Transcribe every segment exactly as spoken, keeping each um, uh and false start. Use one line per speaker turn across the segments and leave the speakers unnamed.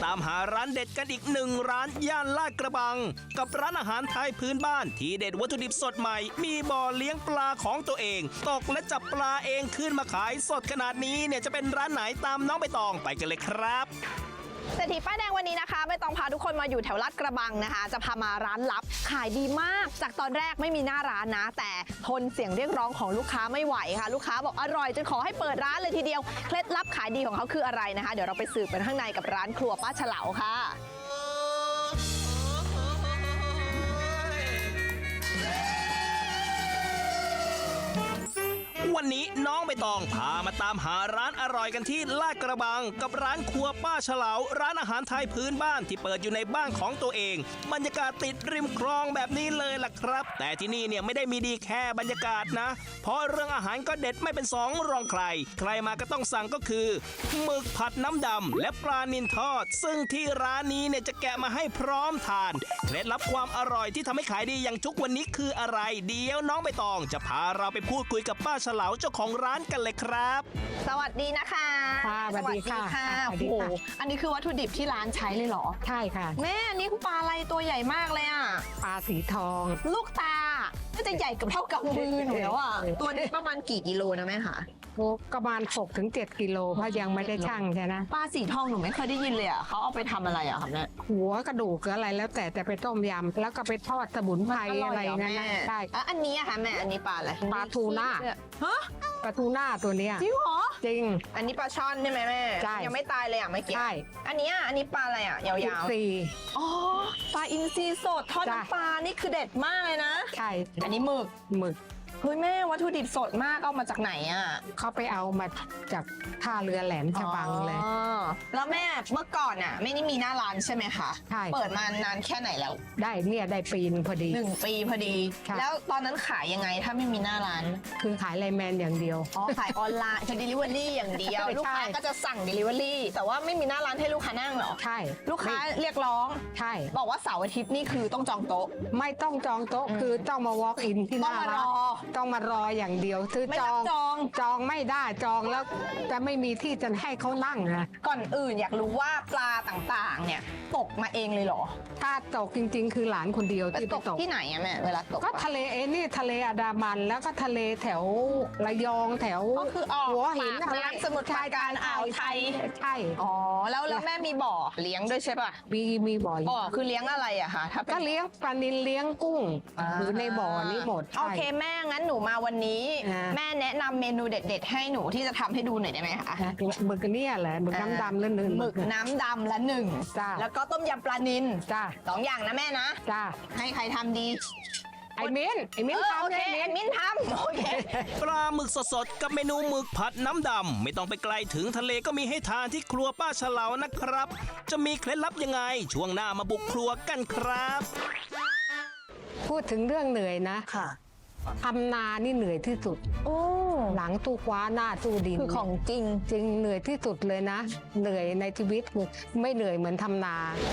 ามหาร้านเด็ดกันอีกหนึ่งร้านย่านลาดกระบังกับร้านอาหารไทยพื้นบ้านที่เด็ดวัตถุดิบสดใหม่มีบ่อเลี้ยงปลาของตัวเองตกและจับปลาเองขึ้นมาขายสดขนาดนี้เนี่ยจะเป็นร้านไหนตามน้องใบตองไปกันเลยครับ
เศรษฐีป้ายแดงวันนี้นะคะไม่ต้องพาทุกคนมาอยู่แถวลาดกระบังนะคะจะพามาร้านลับขายดีมากจากตอนแรกไม่มีหน้าร้านนะแต่ทนเสียงเรียกร้องของลูกค้าไม่ไหวค่ะลูกค้าบอกอร่อยจนขอให้เปิดร้านเลยทีเดียวเคล็ดลับขายดีของเขาคืออะไรนะคะเดี๋ยวเราไปสืบกันข้างในกับร้านครัวป้าเฉลาค่ะ
วันนี้น้องใบตองพามาตามหาร้านอร่อยกันที่ลาดกระบังกับร้านครัวป้าเฉลาร้านอาหารไทยพื้นบ้านที่เปิดอยู่ในบ้านของตัวเองบรรยากาศติดริมคลองแบบนี้เลยล่ะครับแต่ที่นี่เนี่ยไม่ได้มีดีแค่บรรยากาศนะเพราะเรื่องอาหารก็เด็ดไม่เป็นสองรองใครใครมาก็ต้องสั่งก็คือหมึกผัดน้ำดำและปลานิลทอดซึ่งที่ร้านนี้เนี่ยจะแกะมาให้พร้อมทานเคล็ดลับความอร่อยที่ทำให้ขายดีอย่างทุกวันนี้คืออะไรเดี๋ยวน้องใบตองจะพาเราไปพูดคุยกับป้าเฉลาเจ้าของร้านกันเลยครับ
สวัสดีนะคะ
ค่ะสวัสดีค่ะ
โอ้โหอันนี้คือวัตถุดิบที่ร้านใช้เลยเหรอ
ใช่ค่ะ
แม่อันนี้คือปลาอะไรตัวใหญ่มากเลยอ่ะ
ปลาสีทอง
ลูกตาน่าจะใหญ่กับเท่ากับมือหนูแล้วอ่ะตัวนี้ประมาณกี่กิโลนะแม่คะ
ประมาณหกถึงเจ็ดกิโลเพราะยังไม่ได้ชั่งใช่ไหม
ปลาสีทองหนูไม่เคยได้ยินเลยอ่ะเขาเอาไปทำอะไรอ่ะครับเนี่ย
หัวกระดูกอะไรแล้วแต่แต่ไปต้มยำแล้วก็ไปทอดสมุนไพรอะไรนั่นนะใช่
อันนี้อะค่ะแม่อันนี้ปลาอะไร
ปลาทูน่า
ฮะ
ปลาทูน่าตัวเนี้ย
จริงเหรอ
จริง
อันนี้ปลาช่อนใช่ไหมแม่
ใช่
ยังไม่ตายเลยอ่ะไม่เกี่ยว
ใช่
อันนี้อันนี้ปลาอะไรอ่ะยาว
ๆสี
อ๋อปลาอินทรีสดทอดน้ำปลานี่คือเด็ดมากเลยนะ
ใช่
อันนี้หมึก
หมึก
เฮ้ยแม่วัตถุดิบสดมากเอามาจากไหนอ่ะ
เขาไปเอามาจากท่าเรือแหลมฉบังเลย
แล้วแม่เมื่อก่อนอ่ะไม่ได้มีหน้าร้านใช่ไหมคะ
ใช่
เปิดมานานแค่ไหนแล้ว
ได้เนี่ยได้ปีนึงพอดี
หนึ่งปีพอดีแล้วตอนนั้นขายยังไงถ้าไม่มีหน้าร้าน
คือขายไลน์แมนอย่างเดียว
อ๋อขายออนไลน์คือ delivery อย่างเดียวลูกค้าก็จะสั่ง delivery แต่ว่าไม่มีหน้าร้านให้ลูกค้านั่งหรอ
ใช่
ลูกค้าเรียกร้อง
ใช่
บอกว่าเสาร์อาทิตย์นี่คือต้องจองโต๊ะ
ไม่ต้องจองโต๊ะคือต้องมา walk in ที่หน้าร้านต้องมารออย่างเดียวซื้อจอง
จอง
จองไม่ได้จองแล้วจะไม่มีที่จะให้เขานั่งนะ
ก่อนอื่นอยากรู้ว่าปลาต่างๆเนี่ยตกมาเองเลยเหรอ
ถ้าตกจริงๆคือหลานคนเดียวที่
ตกที่ไหนอะแม่เวลาตก
ก็ทะเลเอนี่ทะเลอันดามันแล้วก็ทะเลแถวระยองแถว
ก็คือออก
หัวหิน
น้ำสมุทรปราการอ่าวไทย
ใช่
อ๋อแล้วแล้วแม่มีบ่อเลี้ยงด้วยใช่ป่ะ
มีมีบ่อ
บ่อคือเลี้ยงอะไรอะคะถ้า
ก็เลี้ยงปลานิลเลี้ยงกุ้งหรือในบ่อนี้หมด
โอเคแม่งั้นหนูมาวันนี้แม่แนะนำเมนูเด็ดๆให้หนูที่จะทำให้ดูหน่อยได้ไหมคะ
หมึกเนี่ยแหละหมึกน้ำดำละหนึ่ง
หมึกน้ำดำละหนึ่ง
จ้า
แล้วก็ต้มยำปลานิล
จ้า
สองอย่างนะแม่นะ
จ้า
ให้ใครทำดี
ไอ้มิ้นไอ้มิ้นทำ
โอเคไอ้มิ้นทำโอเค
ปลาหมึกสดๆกับเมนูหมึกผัดน้ำดำไม่ต้องไปไกลถึงทะเลก็มีให้ทานที่ครัวป้าเฉลานะครับจะมีเคล็ดลับยังไงช่วงหน้ามาบุกครัวกันครับ
พูดถึงเรื่องเหนื่อยนะ
ค่ะ
ทำนานี่เหนื่อยที่สุด
โอ้
หลังตู้คว้าหน้าตู้ดิน
คือของจริง
จริงเหนื่อยที่สุดเลยนะเหนื่อยในชีวิตไม่เหนื่อยเหมือนทำนา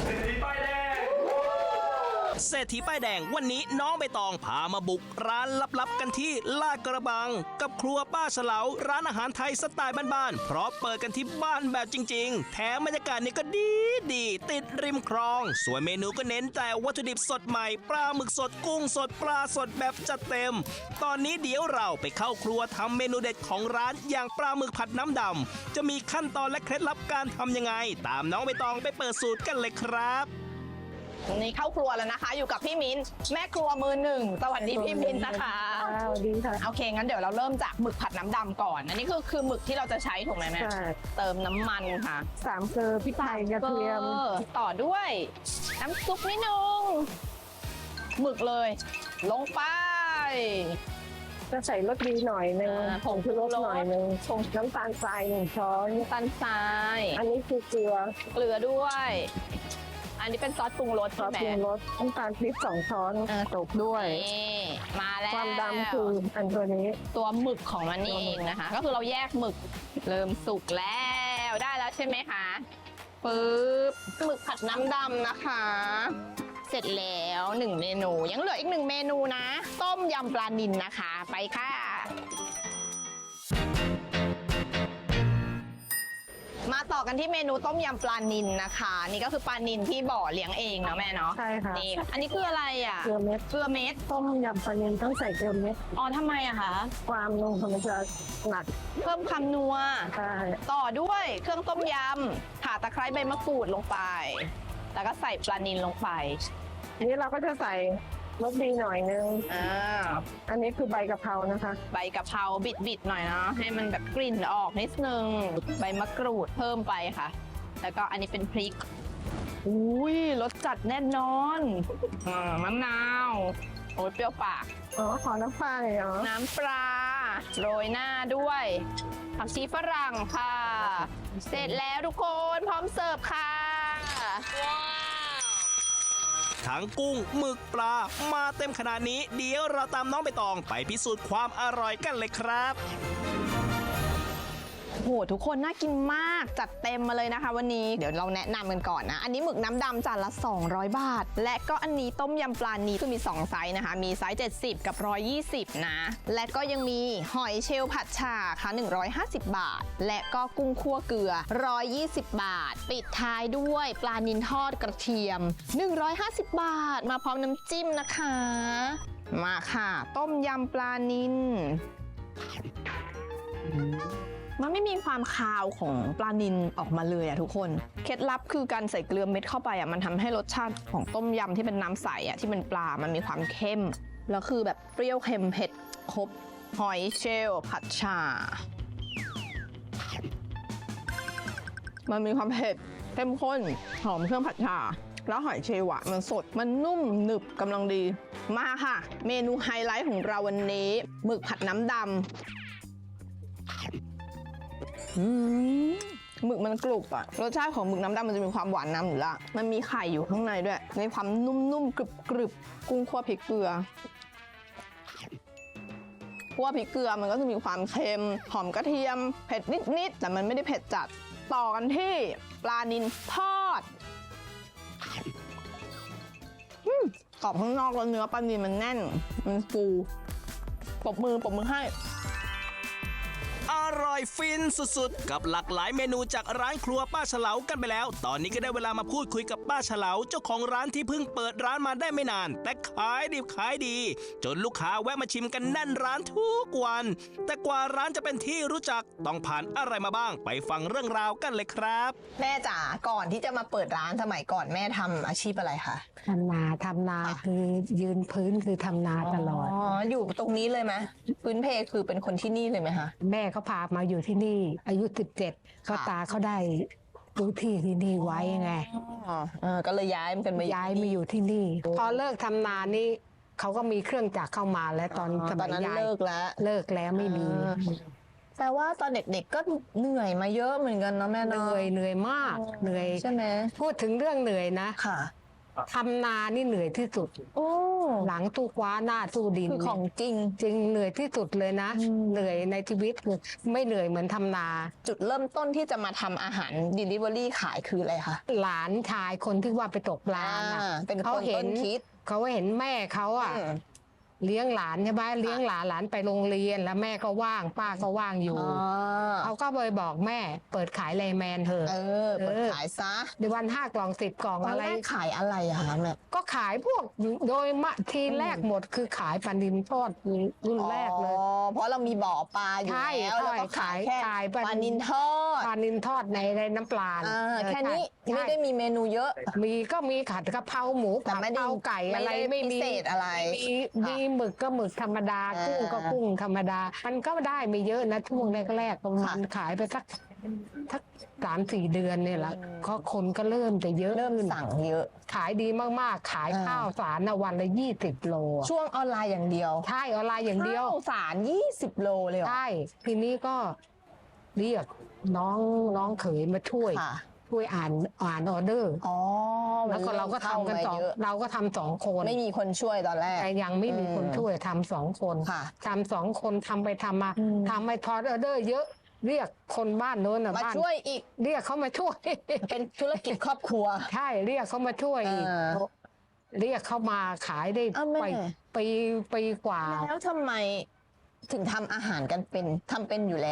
เศรษฐีป้ายแดงวันนี้น้องใบตองพามาบุกร้านลับๆกันที่ลาดกระบังกับครัวป้าเฉลาร้านอาหารไทยสไตล์บ้านๆเพราะเปิดกันที่บ้านแบบจริงๆแถมบรรยากาศนี่ก็ดีดีติดริมคลองส่วนเมนูก็เน้นแต่วัตถุดิบสดใหม่ปลาหมึกสดกุ้งสดปลาสดแบบจัดเต็มตอนนี้เดี๋ยวเราไปเข้าครัวทำเมนูเด็ดของร้านอย่างปลาหมึกผัดน้ำดำจะมีขั้นตอนและเคล็ดลับการทำยังไงตามน้องใบตองไปเปิดสูตรกันเลยครับ
นี่เข้าครัวแล้วนะคะอยู่กับพี่มิ้นแม่ครัวมือหนึ่งสวัสดีพี่มิ้นนะคะ
สวัสดีค่ะ
โอเคงั้นเดี๋ยวเราเริ่มจากหมึกผัดน้ำดำก่อนอันนี้คือคือหมึกที่เราจะใช้ถูกไหมแม่เติมน้ำมันค่ะ
สามเกลือพริกไทยกระเทียม
ต่อด้วยน้ำซุปนิดนึงหมึกเลยลงไป
จะใส่รสดีหน่อยนึงผงชูรสหน่อยนึงผงน้ำตาลทรายหนึ่งช้อน
น้ำตาลทราย
อันนี้คือเกลือ
เกลือด้วยอันนี้เป็นซอสปรุงรส
ซอสปรุงรสน้ำตาลพริกสองช้อนตกด้วย
มาแล้ว
ความดำคืออันตัวนี้
ตัวหมึกของมันนี่เองนะคะก็คือเราแยกหมึกเริ่มสุกแล้วได้แล้วใช่ไหมคะปึ๊บหมึกผัดน้ำดำนะคะเสร็จแล้วหนึ่งเมนูยังเหลืออีกหนึ่งเมนูนะต้มยำปลานิลนะคะไปค่ะมาต่อกันที่เมนูต้มยำปลานิลนะคะ นี่ก็คือปลานิลที่บ่อเลี้ยงเองเนาะแม่เนาะ
ใช่ค่ะ
นี่อันนี้คืออะไรอ่ะ
เกลือเม็ด
เกลือเม็ด
ต้มยำปลานิลต้องใส่เกลือเม็ด
อ๋อทำไมอะคะ
ความนุ่มมันจะหนัก
เพิ่มความนัว
ใช่
ต่อด้วยเครื่องต้มยำข่าตะไคร้ใบมะกรูดลงไป แล้วก็ใส่ปลานิลลงไป
ทีนี้เราก็จะใส่รสดีหน่อยนึง
อ่า
อันนี้คือใบกะเพรานะคะ
ใบกะเพราบิดๆหน่อยเนาะให้มันแบบกลิ่นออกนิดนึงใบมะกรูดเพิ่มไปค่ะ แล้วก็อันนี้เป็นพริกอุ้ยรสจัดแน่นอนอ่ามะนาวโอ้ยเปรี้ยวปาก
อ๋อ ขอน้ำปลาหน่อยเหรอ
น้ำปลาโรยหน้าด้วยผักชีฝรั่งค่ะ เสร็จแล้วทุกคนพร้อมเสิร์ฟค่ะว้าว
ทั้งกุ้งหมึกปลามาเต็มขนาดนี้ เดี๋ยวเราตามน้องใบตองไปพิสูจน์ความอร่อยกันเลยครับ
โหทุกคนน่ากินมากจัดเต็มมาเลยนะคะวันนี้เดี๋ยวเราแนะนำกันก่อนนะอันนี้หมึกน้ำดำจานละสองร้อยบาท และก็อันนี้ต้มยำปลานีคือมีสองไซส์นะคะมีไซส์เจ็ดสิบกับหนึ่งร้อยยี่สิบนะและก็ยังมีหอยเชลล์ผัดฉ่าค่ะหนึ่งร้อยห้าสิบบาท และก็กุ้งคั่วเกลือหนึ่งร้อยยี่สิบบาท ปิดท้ายด้วยปลานิลทอดกระเทียมหนึ่งร้อยห้าสิบบาท มาพร้อมน้ำจิ้มนะคะมาค่ะต้มยำปลานิลมันไม่มีความคาวของปลานิลออกมาเลยอะทุกคนเคล็ดลับคือการใส่เกลือเม็ดเข้าไปอะมันทำให้รสชาติของต้มยำที่เป็นน้ำใสอะที่เป็นปลามันมีความเข้มแล้วคือแบบเปรี้ยวเค็มเผ็ดครบหอยเชลล์ผัดฉ่ามันมีความเผ็ดเข้มข้นหอมเครื่องผัดฉ่าแล้วหอยเชลล์อะมันสดมันนุ่มหนึบกำลังดีมาค่ะเมนูไฮไลท์ของเราวันนี้หมึกผัดน้ำดำอืมหมึกมันกรุบอะรสชาติของหมึกน้ำดำมันจะมีความหวานน้ำอยู่ละมันมีไข่อยู่ข้างในด้วยในความนุ่มๆกรึบๆกุ้งคั่วพริกเกลือคั่วพริกเกลือมันก็จะมีความเค็มหอมกระเทียมเผ็ดนิดๆแต่มันไม่ได้เผ็ดจัดต่อกันที่ปลานิลทอดอืมกรอบข้างนอกแล้วเนื้อปลานิลมันแน่นมันฟูปรบมือปรบมือให้
อร่อยฟินสุดๆกับหลากหลายเมนูจากร้านครัวป้าเฉลากันไปแล้ว ตอนนี้ก็ได้เวลามาพูดคุยกับป้าเฉลาเจ้าของร้านที่เพิ่งเปิดร้านมาได้ไม่นานแต่ขายดิบขายดีจนลูกค้าแวะมาชิมกันแน่นร้านทุกวันแต่กว่าร้านจะเป็นที่รู้จักต้องผ่านอะไรมาบ้างไปฟังเรื่องราวกันเลยครับ
แม่จ๋าก่อนที่จะมาเปิดร้านสมัยก่อนแม่ทำอาชีพอะไรคะ
ทำนาทำนาคือยืนพื้นคือทำนาตลอด
อ๋ออยู่ตรงนี้เลยไหมพื้นเพคือเป็นคนที่นี่เลยไหมคะ
แม่เขาพามาอยู่ที่นี่อายุสิบเจ็ดเขาตาเขาได้รู้ที่ที่นี่ไว้ไง
อ๋อก็เลยย้ายมันกันมา
ย้ายมาอยู่ที่นี่พอเลิกทำนานี่เขาก็มีเครื่องจักรเข้ามาแล้วตอนสมัยย้าย
เลิกแล้ว
เลิกแล้วไม่มี
แปลว่าตอนเด็กๆก็เหนื่อยมาเยอะเหมือนกันเนาะแม่
เหนื่อยเหนื่อยมากเหนื่อย
ใช่ไหม
พูดถึงเรื่องเหนื่อยนะ
ค่ะ
ทำนานี่เหนื่อยที่สุดโอ้หลังตู้คว้าหน้าตู้ดิน
คือของจริง
จริงเหนื่อยที่สุดเลยนะเหนื่อยในชีวิตไม่เหนื่อยเหมือนทำนา
จุดเริ่มต้นที่จะมาทำอาหาร delivery ขายคืออะไรคะ
หลานชายคนที่ว่าไปตกปลา
เป็นคนต้นคิด
เขาเห็นแม่เขาอ่ะเลี้ยงหลานใช่ไหมเลี้ยงหลานหลานไปโรงเรียนแล้วแม่ก็ว่างป้าก็ว่างอยู่เขาก็เลยบอกแม่เปิดขายไลแมนเถอะ
เออเปิดขายซะ
ในวันห้ากล่องสิบกล่องอะไร
ขายอะไรอะคะแม่
ก็ขายพวกโดยมะทีแรกหมดคือขายปลาดินทอดรุ่นแรกเลย
เพราะเรามีบ่อปลาอยู่แล้วแล้วก็ขายแค่ปลาดินทอด
ปลาดินทอดในในน้ำปลา
แค่นี้ไม่ได้มีเมนูเยอะ
มีก็มีขัดกะเพราหมูผัดกะเพราไก่อะไรไม่มี
พิเศษอะไร
มีหมึกก็หมึกธรรมดากุ้งก็กุ้งธรรมดามันก็ได้ไม่เยอะนะช่วงแรกๆประมาณขายไปสักสักสามสี่เดือนเนี่ยแหละก็คนก็เริ่มจะเยอะ
เริ่มสั่งเยอะ
ขายดีมากๆขายข้าวสารนะวันละยี่สิบโล
ช่วงออนไลน์อย่างเดียว
ใช่ออนไลน์อย่างเดียว
ข้าวสารยี่สิบโลเลย
ใช่ทีนี้ก็เรียกน้องน้องเขยมาช่วยช่วยอ่านอ่านออเดอร์
อ๋อ
แล้วก็เราก็ทำกันสองเราก็ทำสองคน
ไม่มีคนช่วยตอนแรก
แต่ยังไม่มีคนช่วยทำสองคนทำสองคนทำไปทำมาทำไปทอดออเดอร์เยอะเรียกคนบ้านโน้น
มาช่วยอีก
เรียกเขามาช่วย
เป็นธุรกิจครอบครัว
ใช่เรียกเขามาช่วยอีกเรียกเขามาขายได้ไปปีปีกว่า
แล้วทำไมถึงทำอาหารกันเป็นทำเป็นอยู่แล้ว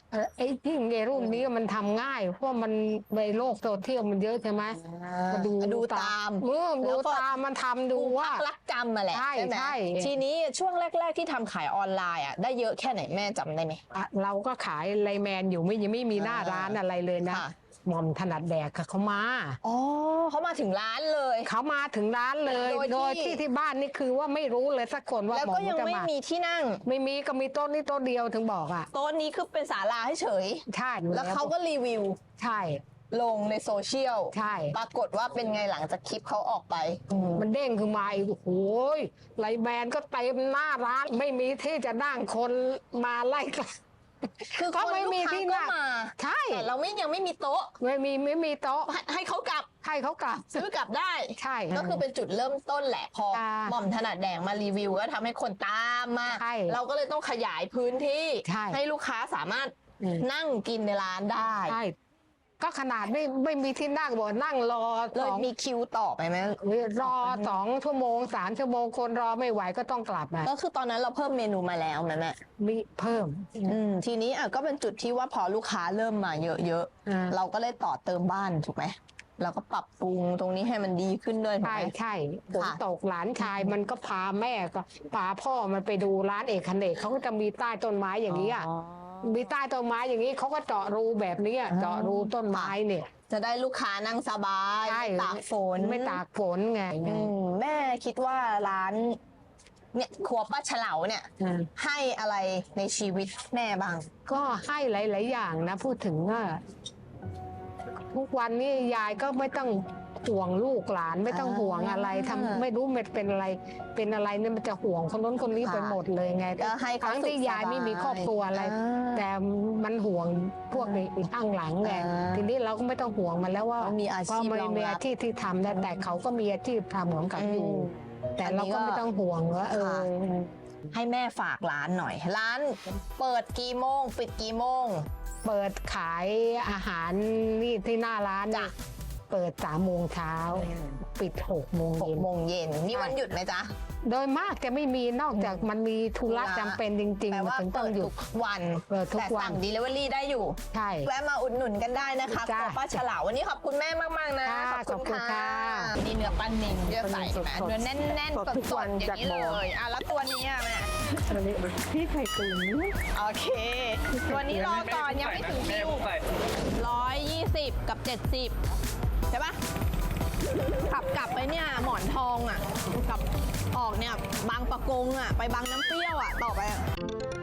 เอ่อไอ้ที่ไอ้รุ่นนี้มันทำง่ายเพราะมันในโลกโซเชียลมันเยอะใช่ไหมมาดู
ดูตาม
เออ
แล้
ดู
วก็
ตามมันทำดูว่า
รักจำมาแหละ
ใช่
ไหม
ใช่
ทีนี้ช่วงแรก ๆที่ทำขายออนไลน์อ่ะได้เยอะแค่ไหนแม่จำได้ไหม
อ่ะเราก็ขายไลน์แมนอยู่ไม่ยังไม่มีหน้าร้านอะไรเลยนะ
ค่ะ
หม่อมถนัดแดกค่ะเขามา
อ๋อเขามาถึงร้านเลย
เขามาถึงร้านเลย
โด
โด
ย
ย
ที่
ที่ที่บ้านนี่คือว่าไม่รู้เลยสักคนว่า
แล้ว
หม่อ
ก็
ม
ยัง
จะ
ไม่
มา
มีที่นั่ง
ไม่มีก็มีโต๊ะนี่โต๊ะเดียวถึงบอกอ่ะ
โต๊ะนี้คือเป็นศาลาให้เฉย
ใช่อยู่
แล้วเขาก็รีวิว
ใช่
ลงในโซเชียล
ใช่
ปรากฏว่าเป็นไงหลังจากคลิปเขาออกไป
มันเด้งขึ้นมาอีกโอ้โหยไลน์แมนก็เต็มหน้าร้านไม่มีที่จะนั่งคนมาไล่กัน
คือ
ก็
คน
ไม่
ลูก
มี
ค้า
ที่
ก็
นั่ง
มา
ใช่
แต่เราไม่ยังไม่มีโต๊ะ
ไม่มีไม่มีโต๊ะ
ให้ให้เขากลับ
ให้เขากลับ
ซื้อกลับได้
ใช่
ก็คือเป็นจุดเริ่มต้นแหละ พอ
จ้า
หม่อมถนัดแดงมารีวิวก็ทำให้คนตามมา
ใช่
เราก็เลยต้องขยายพื้นที่
ใช่
ให้ลูกค้าสามารถ
อืม
นั่งกินในร้านได้
ใช่ก็ขนาดไม่ไม่มีที่นั่งบอกนั่งรอ
เล
ส
ย
อง
มีคิวต่อไปไหม
รอสองชั่วโมงสามชั่วโมงคนรอไม่ไหวก็ต้องกลับมา
ก็คือตอนนั้นเราเพิ่มเมนูมาแล้วแม่แม่
มีเพิ่ม
อืมทีนี้อ่ะก็เป็นจุดที่ว่าพอลูกค้าเริ่มมาเยอะ
อ่า
ๆเราก็เลยต่อเติมบ้านถูกไหมเราก็ปรับปรุงตรงนี้ให้มันดีขึ้นด้วยถูก
ใช่
ไหม
ใช่ฝน
ค่ะ
ตกหลานชายมันก็พาแม่ก็พาพ่อมันไปดูร้านเอกคเนกเขาก็จะมีใต้ต้นไม้อย่างนี้อ่ะมีใต้ต้นไม้อย่างนี้เขาก็เจาะรูแบบนี้อะเจาะรูต้นไม้เนี่ย
จะได้ลูกค้านั่งสบาย
ใช่
ไม่ตากฝน
ไม่ตากฝนไง
อืมแม่คิดว่าร้านเนี่ยครัวป้าเฉลาเนี่ย
อืม
ให้อะไรในชีวิตแม่บ้าง
ก็ให้หลาย ๆ อย่างนะ พูดถึงว่าทุกวันนี้ยายก็ไม่ต้องห่วงลูกหลานไม่ต้องห่วงอะไรทำไม่รู้มันเป็นอะไร เป็นอะไรเนี่ยมันจะห่วงคนนู้นคนนี้
ค่ะ
ไปหมดเลยไง
ก็ให้
ค
เขา
รั้งที่
สุขสบาย
ยายไม่มีครอบครัวอะไร
อ่า
แต่มันห่วงพวกไอ้ข้างหลังไง
อ่า
ทีนี้เราก็ไม่ต้องห่วงมันแล้วว่า
เขามีอาชีพ
เพระมัน
รองรับ
มีอาชีพที่ทำได้แต่เขาก็มีอาชีพทำของเขาอยู่
อืม
แต่
อันนี้
เราก็
ก็
ไม่ต้องห่วงว่าเออ
ค่ะ ให้แม่ฝากร้านหน่อย ร้านเปิดกี่โมง ปิดกี่โมง
เปิดขายอาหารนี่ที่หน้าร้าน
จ้ะ
เปิดสามโมงเช้าปิดหกโมง
หก
เย็น
โมงเย็นมีวันหยุดไหมจ๊ะ
โดยมากจะไม่มีนอกจากมันมีธุระ
ธุระ
จำเป็นจริง
แปล
ๆ
ว่า
ถึงต้
เปิ
อง
ด
หยุ
ทุ
ด
กวัน
เปิดทุก
แต่
วั
สั่
น
ง delivery ได้อยู่
ใช่
แวะมาอุดหนุนกันได้นะคะ
จ้ะ
ครัวป้าเฉลาวันนี้ขอบคุณแม่มากๆนะ
ค่ะ
ขอบคุณ
ขอบคุณค่ะ
นี่เนื้อปลานิลเยอะใส่
สด
แม่
ๆ
เนื้อแน่นๆ
สดทุก
ส
วั
ด
น
ๆอย่างนี้
จากบ่
เล
อ
ยอ่ะแล้วตัวนี้อ่ะแม่
พี่ไข่ตุ๋น
โอเค ตัวนี้รอก่อนยังไม่ถึงคิวร้อยยี่สิบกับเจ็ดสิบใช่ปะขับกลับไปเนี่ยหมอนทองอ่ะกลับออกเนี่ยบางปะกงอ่ะ ไปบางน้ำเปรี้ยวอ่ะ ต่อไปอะ